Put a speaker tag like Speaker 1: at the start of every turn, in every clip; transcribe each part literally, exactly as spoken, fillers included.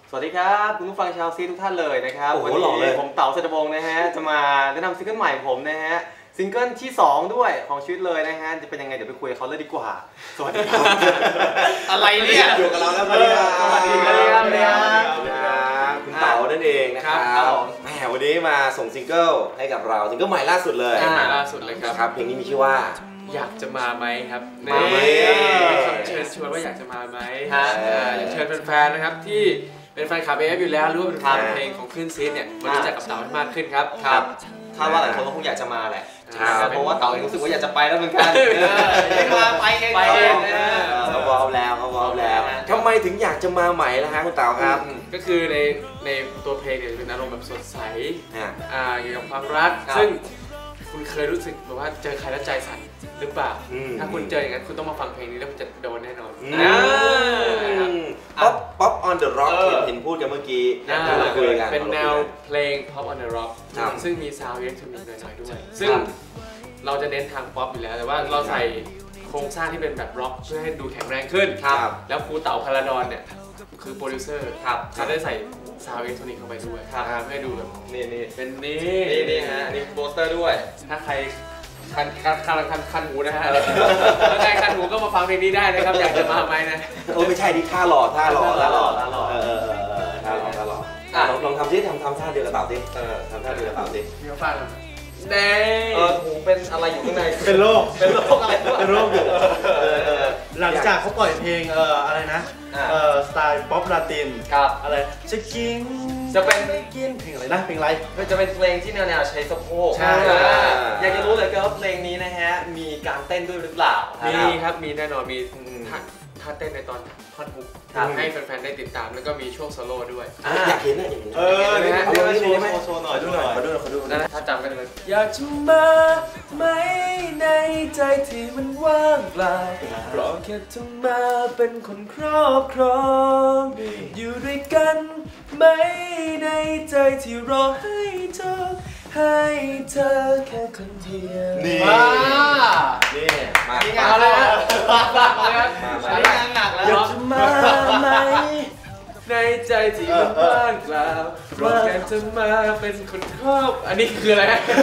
Speaker 1: สวัสดีครับคุณผู้ฟังชาวซีทุกท่านเลยนะครับวันนี้ผมเต๋าเศรษฐวงศ์นะฮะจะมาแนะนำซิงเกิลใหม่ผมนะฮะซิงเกิลที่สองด้วยของชีวิตเลยนะฮะจะเป็นยังไงเดี๋ยวไปคุยกับเขาเลยดีกว่าสวัสดีครับ
Speaker 2: อะไรเนี่ย
Speaker 3: อยู่กับเราแล้ววันนี้
Speaker 1: สวัสดีครับ
Speaker 3: คุณเต๋านั่นเองนะครับแหมวันนี้มาส่งซิงเกิลให้กับเราซิงเกิลใหม่ล่าสุดเลย
Speaker 2: ใหม่ล่าสุดเลยครับ
Speaker 3: ครับเพลงนี้มีชื่อว่า
Speaker 2: อยากจะมาไหมครับ
Speaker 3: มาไหม
Speaker 2: คำเชิญชวนว่าอยากจะมาไหมอยากเชิญแฟนๆนะครับที่เป็นแฟนคลับ เอ เอฟ อยู่แล้วหรือว่าเป็นแฟนเพลงของคลื่นซีดเนี่ยมารู้จักกับเต๋าให้มากขึ้นครับ
Speaker 1: ครับคาดว่าหลายคนก็คงอยากจะมาแหละเพราะว่าเต๋าเองรู้สึกว่าอยากจะไปแล้วเหมือนกันไม่มาไปเอง
Speaker 2: ไปเอง
Speaker 3: เขาวอลแล้วเขาวอลแล้วทำไมถึงอยากจะมาใหม่ล่ะฮะคุณเต๋าครับ
Speaker 2: ก็คือในในตัวเพลงเนี่ยจะเป็นอารมณ์แบบสดใสอ่าเกี่ยวกับความรักซึ่งคุณเคยรู้สึกแบบว่าเจอใครแล้วใจสั่นหรือเปล่าถ้าคุณเจออย่างนั้นคุณต้องมาฟังเพลงนี้แล้วคุณจะโดนแน่นอน
Speaker 3: ป๊อปป๊อปออนเดอะร็อกเห็นพูดกันเมื่อกี้
Speaker 2: เป็นแนวเพลง Pop on the Rock ซึ่งมีซาวด์อิเล็กทรอนิกส์หน่อยๆด้วยซึ่งเราจะเน้นทางป๊อปอยู่แล้วแต่ว่าเราใส่โครงสร้างที่เป็นแบบร็อกเพื่อให้ดูแข็งแรงขึ้นแล้วครูเต๋าพาราดอนเนี่ยคือโปรดิวเซอร์เขาได้ใส่ซาวด์อิเล็กทรอนิกส์เข้าไปด้วยเพื่อให้ดูแบบ
Speaker 1: นี่นี่
Speaker 2: เป็นนี่
Speaker 1: นี่นี่ฮะนี่โปสเตอร์ด้วย
Speaker 2: ถ้าใครคันคันคันคันคันหูนะฮะถ้าใครคันหูก็มาฟังเพลงนี้ได้นะครับอยากจะมาไหมนะ
Speaker 3: โอ้ไม่ใช่ดิท่าหล่อท่าหล่อท่าหล่อท่าหล่อเออท่าหล่อท่าหล่อลองลองทำซิทำทำท่าเดียวกับเต่าซิเออทำท่าเดียวกับเต่าซิ
Speaker 2: มีฟังเน่
Speaker 1: เออหูเป็นอะไรอยู่ข้างใน
Speaker 4: เป็นโรค
Speaker 1: เป็นโรคอะไร
Speaker 4: เป็นโรคอยู่หลังจากเขาปล่อยเพลงเอออะไรนะเออสไตล์ป๊อปลาติน
Speaker 1: ครับ
Speaker 4: อะไรจะกิน
Speaker 1: จะเป็น
Speaker 4: กินเพลงอะไรนะเพลงอะไร
Speaker 1: จะเป็นเพลงที่แนวๆใช้สะโพกอยากจะรู้เลยว่าเพลงนี้นะฮะมีการเต้นด้วยหรือเปล่า
Speaker 2: มีครับมีแน่นอนมีท่าท่าเต้นในตอนท่อนฮุกให้แฟนๆได้ติดตามแล้วก็มีช่วงโซโล่ด้วย
Speaker 3: อยากเห็นนะอยากเห็น
Speaker 1: เออนี่ฮะเอาโชว์โชว์หน่อยดูหน่อย
Speaker 4: มาดูหน่อยมาดูหน่อย
Speaker 2: ถ้าจำกันเลยอยากจะมาไหมในใจที่มันว่างเปล่าเพราะแค่จะมาเป็นคนครอบครองอยู่ด้วยกันไหมในใจที่รอให้เธอให้เธอแค่คนเดียว
Speaker 3: นี่
Speaker 1: นี่
Speaker 3: มา
Speaker 1: ที่งานแล้วมาที่งานหนักแล้ว
Speaker 2: อยากจะมาไหมในใจที่มันว่างเปล่าเพราะแค่จะมาเป็นคนครอบอันนี้คืออะไร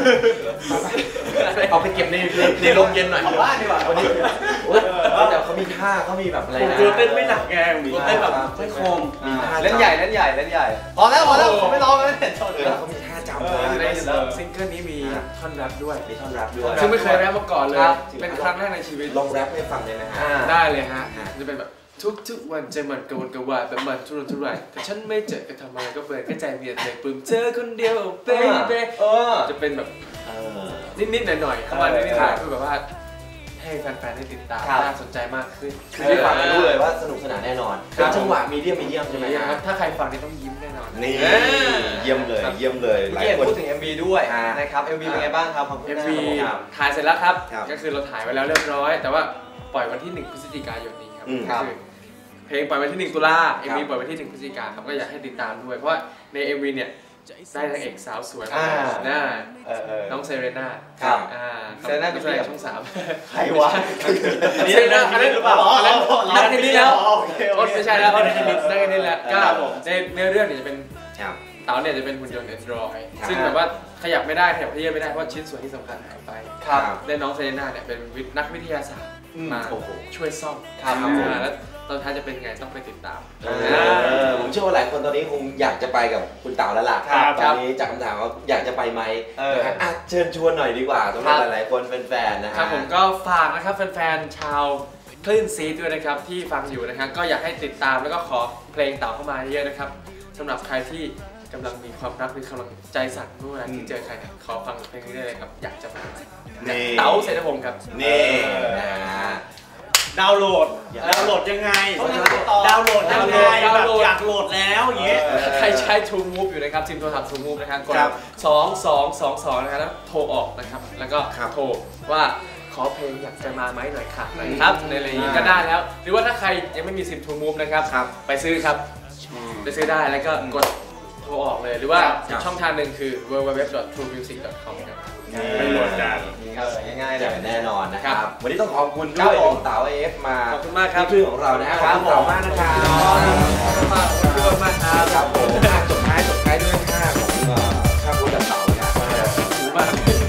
Speaker 1: เอาไปเก็บในในโรงเย็นหน่อย
Speaker 3: บ้านดีกว่าวันนี้แต่เขามีท่าเขามีแบบอะไรนะ
Speaker 4: ตัวเต้นไม่หนักแก
Speaker 1: มีเต้นแบบไม่คม
Speaker 3: มีท่า
Speaker 1: เล่นใหญ่เล่นใหญ่เล่นใหญ่พอแล้วพอแล้วผมไม่ร้องแล้วเนี่ย
Speaker 3: เขามีท่าจำเลย
Speaker 2: ในซิงเกิลนี้มีท่อนแรปด้วย
Speaker 3: มีท่อนแรปด้วย
Speaker 2: ซึ่งไม่เคยแรปมาก่อนเลยเป็นครั้งแรกในชีวิต
Speaker 3: ลองแรปให้ฟังเลยนะฮะ
Speaker 2: ได้เลยฮะจะเป็นแบบทุกๆวันใจมันกระวนกระวายแบบมันทุรนทุรายแต่ฉันไม่เจอก็ทำไมก็เปิดแค่ใจเบียดเลยปลื้มเธอคนเดียวเบ้เบ้จะเป็นแบบนิดๆหน่อยๆประมาณนี้ๆคือแบบว่าให้แฟนๆได้ติดตามน่าสนใจมากขึ้น
Speaker 3: คือได้ฟังรู้เลยว่าสนุกสนานแน่นอนเป็นจังหวะมีเดียมมีเดียมใช่ไหม
Speaker 2: ครับถ้าใครฟังนี่ต้องยิ้มแน่นอน
Speaker 3: นี่เยี่ยมเลยเยี่ยมเลย
Speaker 1: หลายคนพูดถึง เอ็ม วี ด้วยนะครับ เอ็ม วี เป็นไงบ้างครับ
Speaker 2: เอ็ม วี ถ่ายเสร็จแล้วครับก็คือเราถ่ายไว้แล้วเรียบร้อยแต่ว่าปล่อยวันที่หนึ่งพฤศจิกายนนี้ครับคือเพลงปล่อยวันที่หนึ่งตุลา เอ็ม วี ปล่อยวันที่หนึ่งพฤศจิกายนครับก็อยากให้ติดตามด้วยเพราะว่าใน เอ็ม วี เนี่ยได้นางเอกสาวสวยน่าน้องเซเรน่า
Speaker 1: ครับ
Speaker 2: เซเรน่าเป็นช่องสาม
Speaker 1: ใครวะ
Speaker 2: เซเรน่าอันนี้หรือเปล่าอันนั้นนักนี้แล้วไม่ใช่แล้วอันนี้นักนี้แล้วก็ในเนื้อเรื่องเนี่ยจะเป็นเต๋าเนี่ยจะเป็นหุ่นยนต์ Android ซึ่งแบบว่าขยับไม่ได้ขยับเพี้ยไม่ได้เพราะชิ้นส่วนที่สำคัญหายไปได้น้องเซเรน่าเนี่ยเป็นนักวิทยาศาสตร์มาช่วยซ่อมแล้วตอนท้ายจะเป็นไงต้องไปติดตาม
Speaker 3: ผมเชื่อว่าหลายคนตอนนี้คงอยากจะไปกับคุณเต๋าแล้วล่ะตอนนี้จากคำถามว่าอยากจะไปไหมเชิญชวนหน่อยดีกว่าสำหรับหลายๆคนแฟนๆนะครับ
Speaker 2: ผมก็ฝากนะครับแฟนๆชาวคลื่นซีด้วยนะครับที่ฟังอยู่นะครับก็อยากให้ติดตามแล้วก็ขอเพลงเต๋าเข้ามาเยอะนะครับสำหรับใครที่กำลังมีความรักหรือกำลังใจสั่นเมื่อเวลาที่เจอใครขอฟังเพลงนี้ได้เลยครับอยากจะมาเต๋าเศรษฐพงศ์ครับ
Speaker 3: นี่
Speaker 4: ดาวน์โหลดดาวน์โหลดยังไงดาวน์โหลดยังไงแบบอยากโหลดแล้วอย่างเงี้ย
Speaker 2: ใครใช้ True Move อยู่นะครับซิมโทรศัพท์ True Move นะครับกดสองสองสองสองนะครับแล้วโทรออกนะครับแล้วก็โทรว่าขอเพลงอยากจะมาไหมหน่อยค่ะนะครับในอะไรนี้ก็ได้แล้วหรือว่าถ้าใครยังไม่มีซิม True Move นะครับไปซื้อครับไปซื้อได้แล้วก็กดโทรออกเลยหรือว่าช่องทางหนึ่งคือ ดับเบิลยู ดับเบิลยู ดับเบิลยู ดอท ทรูมิวสิก ดอท คอม ครับ
Speaker 4: ไปโหลดกัน
Speaker 1: ง่ายๆเลย
Speaker 3: แน่นอนนะครับวันนี้ต้องขอบคุณด้วยเต๋า เอ เอฟ มา
Speaker 2: ขอบคุณมากครับ
Speaker 3: ที่คลื่นของเรานะฮะขอบคุณเต๋ามากนะครับ
Speaker 2: ขอบคุณมากครับ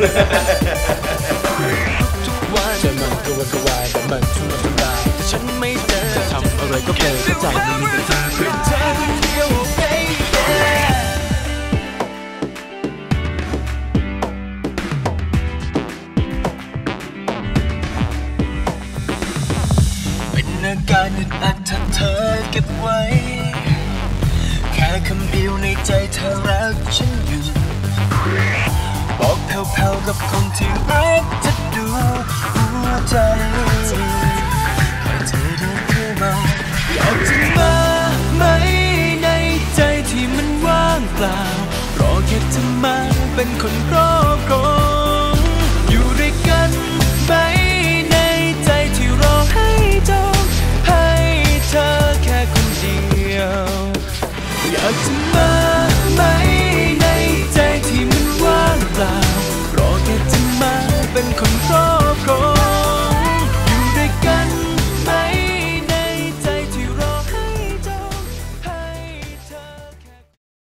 Speaker 5: ทุกวันจะมันกระวนกระวายแต่มันทุรนทุรายแต่ฉันไม่เจอจะทำอะไรก็เพลินเพราะใจมันมีแต่เธอเพื่อเธอคนเดียว baby เป็นอาการอึดอัดถ้าเธอเก็บไว้แค่คำเดียวในใจเธอรักฉันอยู่บอกแผ่วๆกับคนที่รักจะดูหัวใจให้เธอเดินเข้ามาอยากจะมาไหมในใจที่มันว่างเปล่ารอแค่เธอมาเป็นคนครอบครองอยู่ด้วยกันไหมในใจที่รอให้จบให้เธอแค่คนเดียวอยากจะมาไหมในใจที่มันว่างเปล่ารอแค่เธอมาเป็นคนครอบ